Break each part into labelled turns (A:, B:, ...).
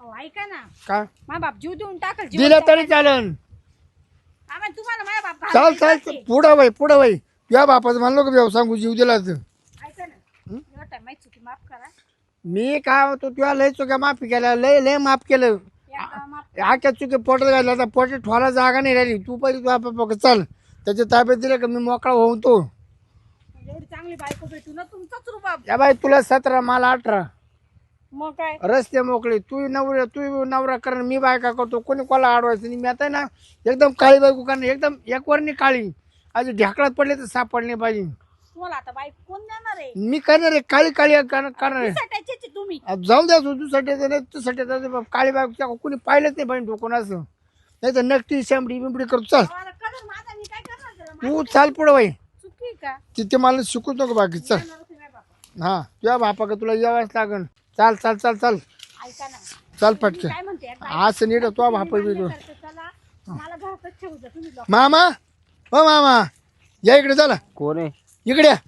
A: अहो ऐका ना,
B: का
A: माझा बाप जीव देऊन टाकल.
B: दिलं तरी चालन.
A: तुम्हाला माझा बाप
B: चाल
A: घालवायचा
B: चाल
A: ते.
B: पुढं बाई तुझ्या बापाचं म्हणलो का व्यवसाय जीव दिला तर
A: ऐका ना, एवढा time माहित चुकी माफ करा.
B: मी काय होतो तुला लय चुक्या माफी केल्या लय माफ केलं.
A: एकदा माफ
B: आख्या चुकी पोटात घातला आता पोटात ठेवायला जागा नाही राहिली. तू पहिले तुझ्या बापा चल त्याच्या ताब्यात दिलं का मी मोकळा होऊन तो.
A: एवढी चांगली बायको भेटू ना तुमचाच रुबाब.
B: या बाई तुला 17 मला 18
A: मग काय
B: रस्ते मोकळे. तू नवरा कर मी बायका करतो. कोणी कोणाला अडवायचं नाही. मी आता ना एकदम काळी बायको करणार एकदम एकवरणी काळी. आज ढेकळात पडले तर सापडले पाहिजे.
A: तुम्हाला आता बायको कोण देणार आहे?
B: मी करणार आहे काळी करणार आहे.
A: सटायचे तुम्ही.
B: जाऊन द्या तुझ्यासाठी काळी बायको कोणी पाहिलंच नाही पाहिजे कोण असं. नाही तर नक्की शांबडी बिंबडी करतो. चल
A: अहो, आता कदर माझा मी काय करणार त्याला?
B: तू चाल पुढं बाई.
A: चुकी का?
B: तिथे मला शिकूच नको बाकी. चल
A: देणार होते माझ्या बापाला.
B: हा तुझ्या बापा का तुला यावंच लागन. चाल चाल चाल चाल
A: ऐका ना,
B: चाल
A: मी
B: पटके
A: काय म्हणते एकदा
B: असं नीट तुझ्या बापा
A: मान्य
B: बिडू.
A: करते, चला मला घरातच ठेवू द्या तुम्ही लोक.
B: मामा हो मामा या इकडे चला.
C: कोण आहे?
B: इकडे या.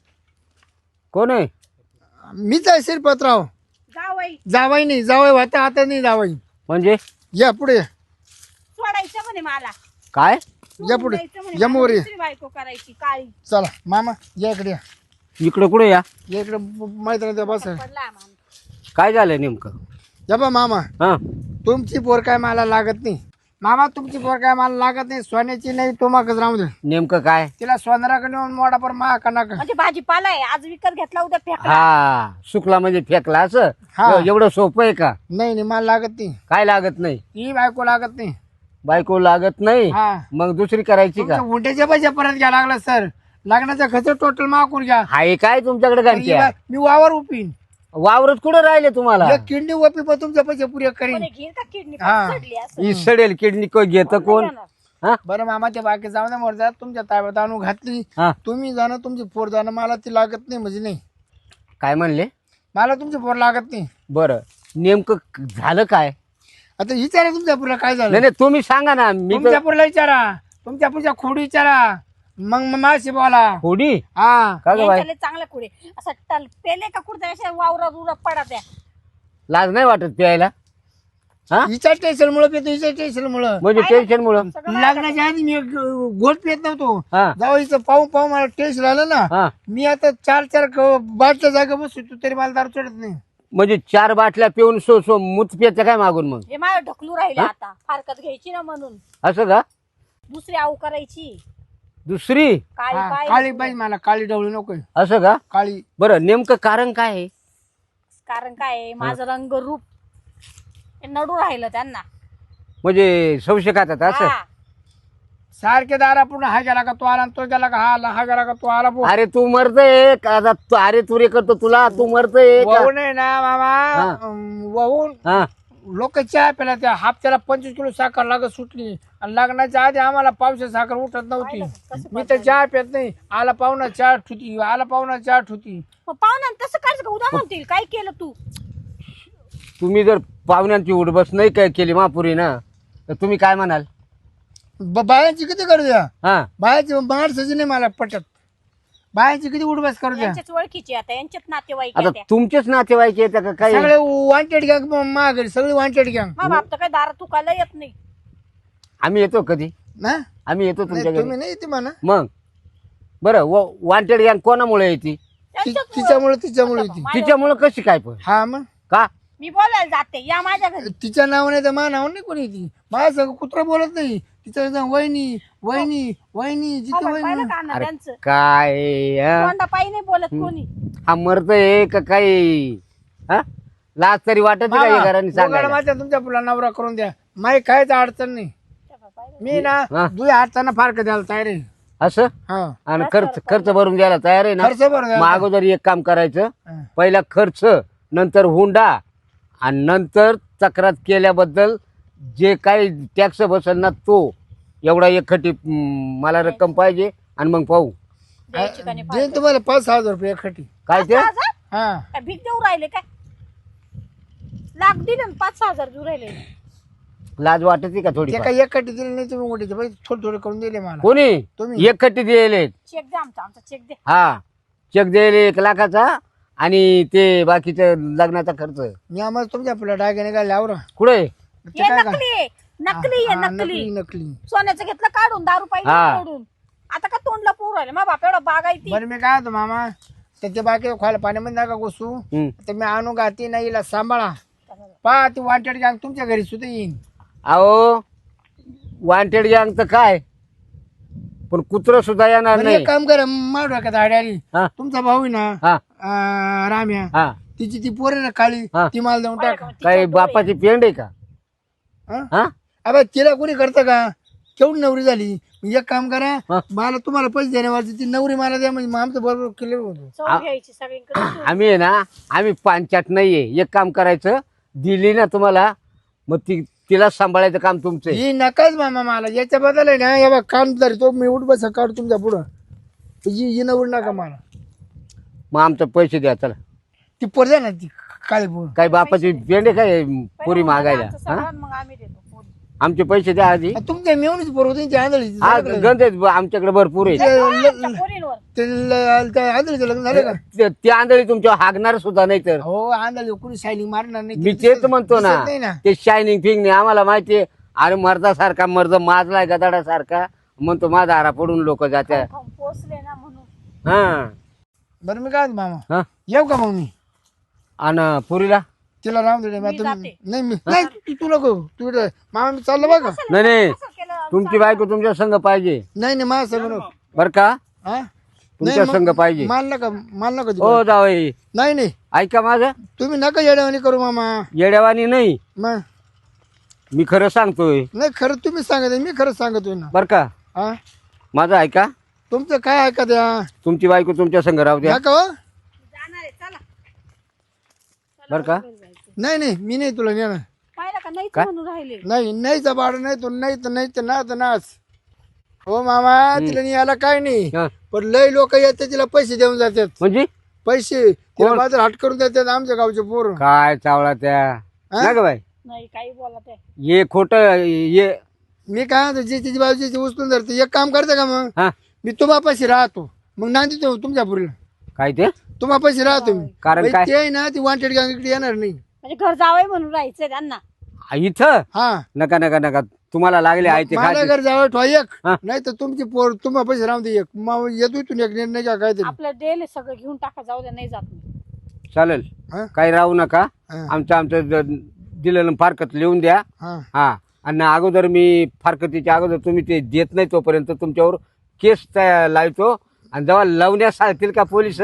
C: कोण आहे?
B: मीच आहे शिरपतराव.
A: जावई
B: जावाई नाही जावाई होता आता नाही जावाई.
C: म्हणजे
B: या पुढे या.
A: सोडायचं म्हणे मला.
C: काय?
B: या पुढे
A: सोडून द्यायचं म्हणे,
B: या
A: मला
B: मोर ये.
A: दुसरी बायको करायची काळी.
B: चला मामा या इकडे या.
C: इकडे कुठे या?
B: या इकडे मैत्रिणीच्या बस.
A: पडला आम्हाला.
C: काय झालं नेमकं?
B: या बा मामा
C: हा
B: तुमची पोर काय मला लागत नाही. मामा तुमची पोर काय मला लागत नाही. सोन्याची नाही तुम्हाकच राहू दे.
C: नेमकं काय?
B: तिला सोनाराकडे नेऊन मोडा पर मा का नका.
A: म्हणजे भाजीपाला आहे, आज विकत घेतला उद्या फेकला.
C: हा सुकला म्हणजे फेकला असं?
B: हा.
C: एवढं सोपं आहे का?
B: नाही नाही मला लागत नाही.
C: काय लागत नाही?
B: ही बायको लागत नाही.
C: बायको लागत नाही?
B: हा
C: मग दुसरी करायची का?
B: उंट्याच्या पैसे परत घ्या लागला सर. लग्नाचा खर्च टोटल मागून घ्या.
C: हाय काय तुमच्याकडे गांठ्या?
B: मी वावर उपिन.
C: वावरत कुठं राहिले तुम्हाला?
B: एक किडनी ओपी पण तुमच्या पैसे पुरे करीन.
A: कोणी घेईल का किडनी
B: हा.
A: चढली असं?
C: ही सडेल किडनी घेत कोण? हा
B: बरं मामा ते बाकी जाऊ दे मोर तुमच्या ताब्यात आणून घातली.
C: हा
B: तुम्ही जाणं तुमची पोर जाणं मला ती लागत नाही म्हणजे नाही.
C: काय म्हणले?
B: मला तुमची पोर लागत नाही.
C: बरं नेमकं झालं काय?
B: आता विचारा तुमच्या पोरला काय झालं.
C: नाही नाही तुम्ही सांगा ना. मी
B: तुमच्या
C: तर
B: पोरला विचारा. तुमच्या पुढच्या खोडी विचारा. मग माशी बोला.
C: थोडी
B: हा
C: का ग बाई?
A: यांच्याले चांगलं कुठे असं टल पेले का कुठे अशा वावरात उरा पडा द्या.
C: लाज नाही वाटत प्यायला? हा
B: हिच्या टेन्शन मुळे पितो. हिच्या टेन्शन मुळे
C: म्हणजे टेन्शन मुळे?
B: लग्नाच्या आधी मी गोट पित नव्हतो.
C: हा
B: जाऊ हिचं पाहून मला टेन्शन आलं ना.
C: हा
B: मी आता 4 बाटल्या जागा बसतो तरी मला दारू चढत नाही.
C: म्हणजे 4 बाटल्या पिऊन सो मूत प्यायचं काय मागून मग?
A: हे माझ्या ढकलू राहिले आता फारकत घ्यायची ना म्हणून
C: असं का?
A: दुसरी आऊ करायची
C: दुसरी?
A: काळी
B: हा,
A: पाय
B: काळी पाहिजे मला. काळी डवळी नको.
C: असं का?
B: काळी.
C: बरं नेमकं कारण काय आहे?
A: कारण काय आहे, माझं रंग रूप हे नडू राहिलं त्यांना.
C: म्हणजे संशय खातात असं?
A: हा.
B: सारखे दारा पूर्ण हा गेला का तो आला आणि तो गेला का हा आला. हा गेला का तो आला.
C: अरे तू मरतय का? आता अरे तुरे करतो तुला. तू मरतय का?
B: वाहून आहे ना मामा. वाहून
C: हा
B: लोक चहा प्याला. त्या हापच्याला 25 किलो साखर लागत सुटली. आणि लग्नाच्या आधी आम्हाला पावसाची साखर उठत नव्हती. मी तर चहा पित नाही. आला पाहुणा चहा ठुती. आला पाहुणा चहा ठुती.
A: मग पाहुण्या तसं कायच उद्या म्हणतील काय केलं तू.
C: तुम्ही जर पाहुण्यांची उठबस नाही काय केली महापुरी ना तर तुम्ही काय म्हणाल?
B: बायांची किती करू द्या.
C: हा
B: बायाची माणसाची नाही मला पटत. बायांची किती उडबस करू द्या.
A: यांच्याच ओळखीचे आता यांच्यात नातेवाईक
C: आता
A: आहे त्या.
C: तुमचेच नातेवाईक येतात का काही?
B: सगळे वॉन्टेड गँग माघारी. सगळी वॉन्टेड गँग
A: मग बाप तर काय दारा तुकायला येत नाही.
C: आम्ही येतो कधी?
B: ना.
C: आम्ही येतो तुमच्या घरी.
B: तुम्ही नाही येते म्हणा.
C: मग बरं वॉन्टेड गँग कोणामुळे येते?
A: त्यांच्याच
B: तिच्यामुळे येते.
C: तिच्यामुळे कशी काय पण?
B: हा मग
C: का?
A: मी बोलायला जाते या माझ्या घरी.
B: तिच्या नावाने तर माझ्या नावाने नाही कोणी येते. माझ्या सगळं कुत्रा बोलत नाही. तिच्या संग वहिनी वहिनी वहिनी जिथे
A: हो,
B: वहिनी.
A: पाहिलं का अण्णा त्यांचं
C: काय हा?
A: तोंडा पायी नाही बोलत कोणी.
C: हा मरतय का काही? हा लाज तरी वाटत का या घराने
B: मामा,
C: सांगायला?
B: माझ्या तुमच्या पुला नवरा करून द्या. माही काहीच अडचण नाही. मी ना
C: हा.
B: दुई हाताना फारक द्यायला तयार आहे.
C: असं?
B: हा
C: आणि खर्च भरून द्यायला तयार आहे ना?
B: खर्च बरं
C: मग अगोदर एक काम करायचं.
B: हा.
C: पहिला खर्च, नंतर हुंडा, आणि नंतर तक्रार केल्याबद्दल जे काही टॅक्स बसेल ना तो एवढा एकखटी मला रक्कम पाहिजे. आणि मग पाहू
A: द्यायची का नाही
B: देईन तुम्हाला 5,000 रुपये एकखटी.
C: काय ते.
A: 5,000?
B: हा
A: काय भीक देऊ राहिले काय. लाख दिले 5,000 देऊ राहिले.
C: लाज वाटते का थोडी?
B: ते काही एकखटी दिली नाही तुम्ही मोठीचे पैसे थोडे थोडे करून दिले मला.
C: कोणी
B: तुम्ही.
C: एकखटी दिले?
A: चेक द्या आमचा चेक द्या.
C: हा चेक दिले 1 लाखाचा आणि ते बाकीचं लग्नाचा खर्च
B: मी आम्हाला तुमच्या आपल्या डायगेने काय लावरा
C: कुठे
A: हे नकली आहे, नकली आहे, नकली
B: नकली.
A: सोन्याचं घेतलं काढून, दारू
C: हा.
A: पाहिजे काढून. आता का तोंडला पोर राहिले मा बाप एवढा बाग आहे ती.
B: बरं मी काय होतो मामा त्याच्या बाकी खोला पाण्यामध्ये नका घुसू. तर मी आणू गाती नाही हिला सांभाळा. पहा ती वाटेड गॅंग तुमच्या घरी सुद्धा येईन.
C: अहो वांटेड गँग तर काय पण कुत्र सुद्धा येणार
B: बरं,
C: नाही.
B: एक काम करा मार डोक्यात आड्यारी.
C: हा
B: तुमचा भाऊ आहे ना
C: हा
B: राम्या,
C: हा
B: तिची ती पोर आहे ना काळी,
C: हा.
B: ती मला देऊन टाका.
C: काही बापाची पेंड आहे का
B: हा?
C: हा
B: अबे तिला कोणी करतं का? केवढी नवरी झाली. एक काम करा
C: हा.
B: मला तुम्हाला पैसे देण्यावरची ती नवरी मला द्या म्हणजे मग आमचं बरोबर क्लिअर होतो.
A: चव घ्यायची सगळीकडे.
C: आम्ही आहे ना आम्ही पांचाट नाहीये. एक काम करायचं दिली ना तुम्हाला मग तिला सांभाळायचं काम तुमचं आहे.
B: ही नकाच मामा मला याच्या बदल आहे ना या काम तरी तो मी उठ बस काढ तुमच्या पुढं. ही नवरी नका मला.
C: मग आमचं पैसे द्या चला.
B: ती पोर द्या ना ती काळी पोर.
C: काय बापाची पेंड आहे काय पुरी मागायला
A: आमचं
C: हा
A: सगळं मग आम्ही देतो पोरी.
C: आमचे पैसे द्या आधी.
B: तुमच्या मेवणीच पोर होती ती आंधळी.
C: हा गंध आहेत आमच्याकडे भरपूर आहे.
A: आमच्या पोरींवर
B: आंधळीचं लग्न झालं का?
C: ते आंधळी तुमच्या हागणार सुद्धा नाही तर
B: हो आंधळी कोणी शायनिंग मारणार नाही.
C: मी तेच म्हणतो ना
B: दिसत नाही ना.
C: ते शायनिंग फिंग नाही आम्हाला माहितीये. अरे मर्दासारखा मर्द माजलाय गदाडासारखा म्हणतो माझा हारा पडून लोक जात्या.
A: पोचले ना म्हणून.
C: हा
B: बरं मी काय म्हणतो मामा
C: हा
B: येऊ का मग मी
C: आणि पुरीला
B: तिला राहून दे.
A: मी जाते.
B: नाही मी नाही तू नको तू इकडे. मामा मी चाललो बघा.
C: नाही नाही
A: कसं केलं?
C: तुमची बायको तुमच्या संघ पाहिजे
B: नाही नाही माझं सगळं नको.
C: बर का
B: हा
C: तुमच्या संघ पाहिजे.
B: मान नका देऊ.
C: हो जावई
B: नाही नाही
C: ऐका माझं
B: तुम्ही नका येड्यावानी करू मामा.
C: येड्यावानी नाही
B: मग
C: मी खरं सांगतोय
B: नाही खरं तुम्ही सांगत मी खरं सांगतोय ना.
C: बर का
B: हा
C: माझं ऐका.
B: तुमचं काय ऐका द्या
C: तुमची बायको तुमच्या संघ राहू द्या
B: नका हो.
A: जाणार आहे चला.
C: बर का
B: नाही नाही मी नाही तुला नेणार.
A: पाहिलं का नाहीच म्हणून राहिले.
B: नाही नाहीचा भाडं नाही तो नाही तर ना तर नाच. हो मामा तिला नाही याला काय नाही.
C: हा.
B: पण लय लोक येतात तिला पैसे देऊन जातात.
C: म्हणजे
B: पैसे तिला बाजार हाट करून देतात आमच्या गावचे पोर.
C: काय चावला त्या ना ग बाई
A: नाही काही बोला ते.
C: ये खोट ये
B: मी काय म्हणतो जे तिची बाजूची उचलून धरते. एक काम करते का मग
C: हा
B: मी तुम्हापाशी राहतो मग नांदी तो तुमच्या पुरीला
C: काय ते
B: तुम्हापाशी राहतो मी.
C: कारण
B: बाई,
C: काय?
B: ते आहे ना ती वांटेड गँग इकडे येणार नाही.
A: म्हणजे घर जावंय म्हणून राहायचंय त्यांना.
C: इथं
B: हा
C: नका नका नका तुम्हाला लागले आहे ते
B: मला
C: खायचे.
B: घर जावं ठेवा एक
C: हा.
B: नाही तर तुमची पोर तुम्हापाशी राहून दे एक. मग येतो इथून एक निर्णय घ्या काहीतरी.
A: आपलं डेल सगळं घेऊन टाका जाऊ द्या नाही जात मी.
C: चालेल
B: हा?
C: काही राहू नका.
B: हा.
C: आमचं दिलेलं फारकत लिहून द्या.
B: हा
C: हा आणि अगोदर मी फारकतीच्या अगोदर तुम्ही ते देत नाही तोपर्यंत तुमच्यावर केस लावतो आणि जेव्हा लावण्यास सांगतील का पोलिस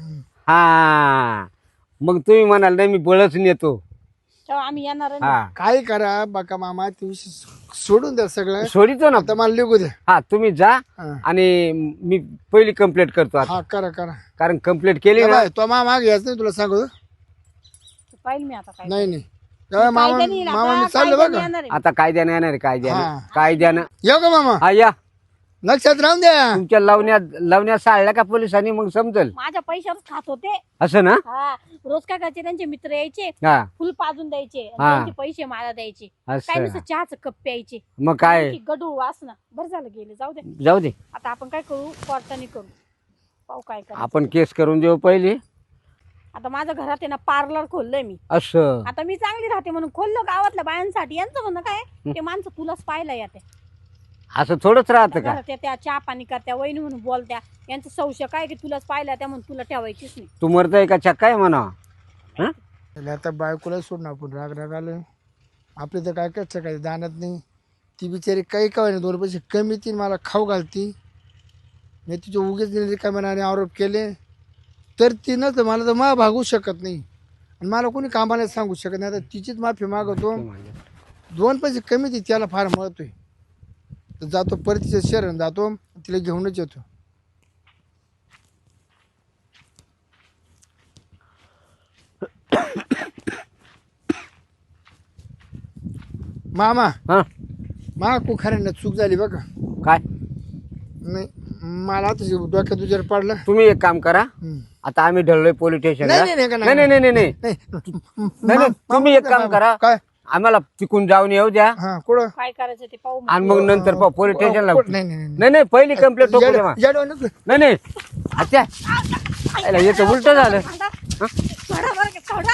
C: हा मग तुम्ही म्हणाल नाही मी बळच नेतो.
A: तेव्हा आम्ही येणार नाही.
C: हा
B: काय करा बाका मामा ते विषय सोडून द्या सगळं.
C: सोडितो ना.
B: आता मला लिहू द्या.
C: हा तुम्ही जा
B: हा.
C: आणि मी पहिली कंप्लेंट करतो आता
B: हा करा करा.
C: कारण कंप्लेंट केली ना.
B: तो मामा मागे यायचं नाही तुला सांगू.
A: पाहिलं मी आता काय.
B: नाही नाही तेव्हा मामा
A: कायद्याने येईल
B: मामा
A: आता,
B: मी चाललो
A: कायद्याने
B: बघा.
A: येणार आहे.
C: आता कायद्यानं येणार आहे
B: हा.
C: कायद्यानं
B: येऊ का मामा
C: हा या
B: लक्षात राहून द्या.
C: तुमच्या लावण्यात साळल्या का पोलिसांनी मग समजल
A: माझ्या पैशावरच खात होते.
C: असं ना.
A: हा रोज काय करायचे त्यांचे मित्र यायचे
C: हा
A: फुल पाजून द्यायचे आणि
C: हा.
A: त्यांचे पैसे मला द्यायचे. काय
C: असं
A: नुसतं चहाचं कप प्यायचे.
C: मग काय
A: गडू वासना बरं झालं गेले जाऊ दे.
C: जाऊ दे
A: आता आपण काय करू कोर्टाने करू पाहू काय करू.
C: आपण केस करून देऊ पहिली.
A: आता माझ्या घरात आहे ना पार्लर खोललंय मी.
C: असं
A: आता मी चांगली राहते म्हणून खोललं गावातल्या बायांसाठी. यांचं म्हणणं काय ते माणसं तुलाच पाहायला येते.
C: असं थोडंच राहतं का.
A: घरात त्या चहा पाणी करत्या वहिनी म्हणून बोलत्या. यांचं संशय काय की तुलाच पाहिला त्या म्हणून तुला ठेवायचीच नाही.
C: तू मरतय का चक्का आहे म्हणा. हा?
B: त्याला आता बायकोला सोडून आपण राग आलं आपले तर काय काय काही दानत नाही. ती बिचारी काही काय नाही 2 पैसे कमी ती मला खाऊ घालती. मी तिचे उगेच रिकाम्याने आरोप केले तर तिनं तर मला तर मा भागू शकत नाही आणि मला कोणी कामाला सांगू शकत नाही. आता तिचीच माफी मागवतो. 2 पैसे कमी ती त्याला फार महत्व आहे. तर जातो परतीच्या शहरात जातो तिला घेऊनच येतो. मामा
C: हा
B: मा कुखाऱ्यांना चूक झाली बघा.
C: काय
B: नाही मला आता डोक्यात तुझ्यावर पडलं.
C: तुम्ही एक काम करा. आता आम्ही ढळलोय पोलीस स्टेशनला.
B: नाही, नाही, नाही,
C: नाही नाही नाही नाही नाही
B: नाही
C: नाही, तुम्ही एक काम करा.
B: काय
C: आम्हाला तिकून जाऊन येऊ द्या
B: हा कुठं
A: काय करायचं ते पाहू.
C: आणि मग नंतर पोलीस स्टेशनला.
B: नाही नाही नाही
C: नाही नाही पहिली कंप्लेंट
B: येडं- येडं नको.
C: नाही नाही अच्छा याचं उलट झालं.
A: सोडा बरं का, सोडा.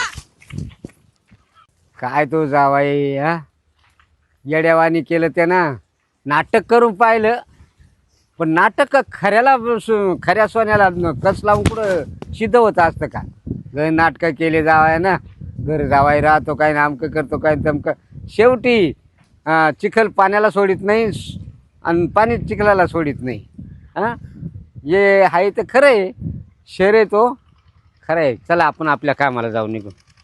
C: काय तो जावाई हा येड्यावानी केलं त्यानं. नाटक करून पाहिलं पण नाटक खऱ्या सोन्याला कस लावून कुठं सिद्ध होत असतं का. नाटकं केले जावाय ना, घर जावाय राहतो काय नामकं करतो काय तमकं. शेवटी चिखल पाण्याला सोडित नाही आणि पाणी चिखलाला सोडित नाही. हां हे आहे तर खरं आहे. शर्यत हो खरं आहे. चला आपण आपल्या कामाला जाऊ निघून.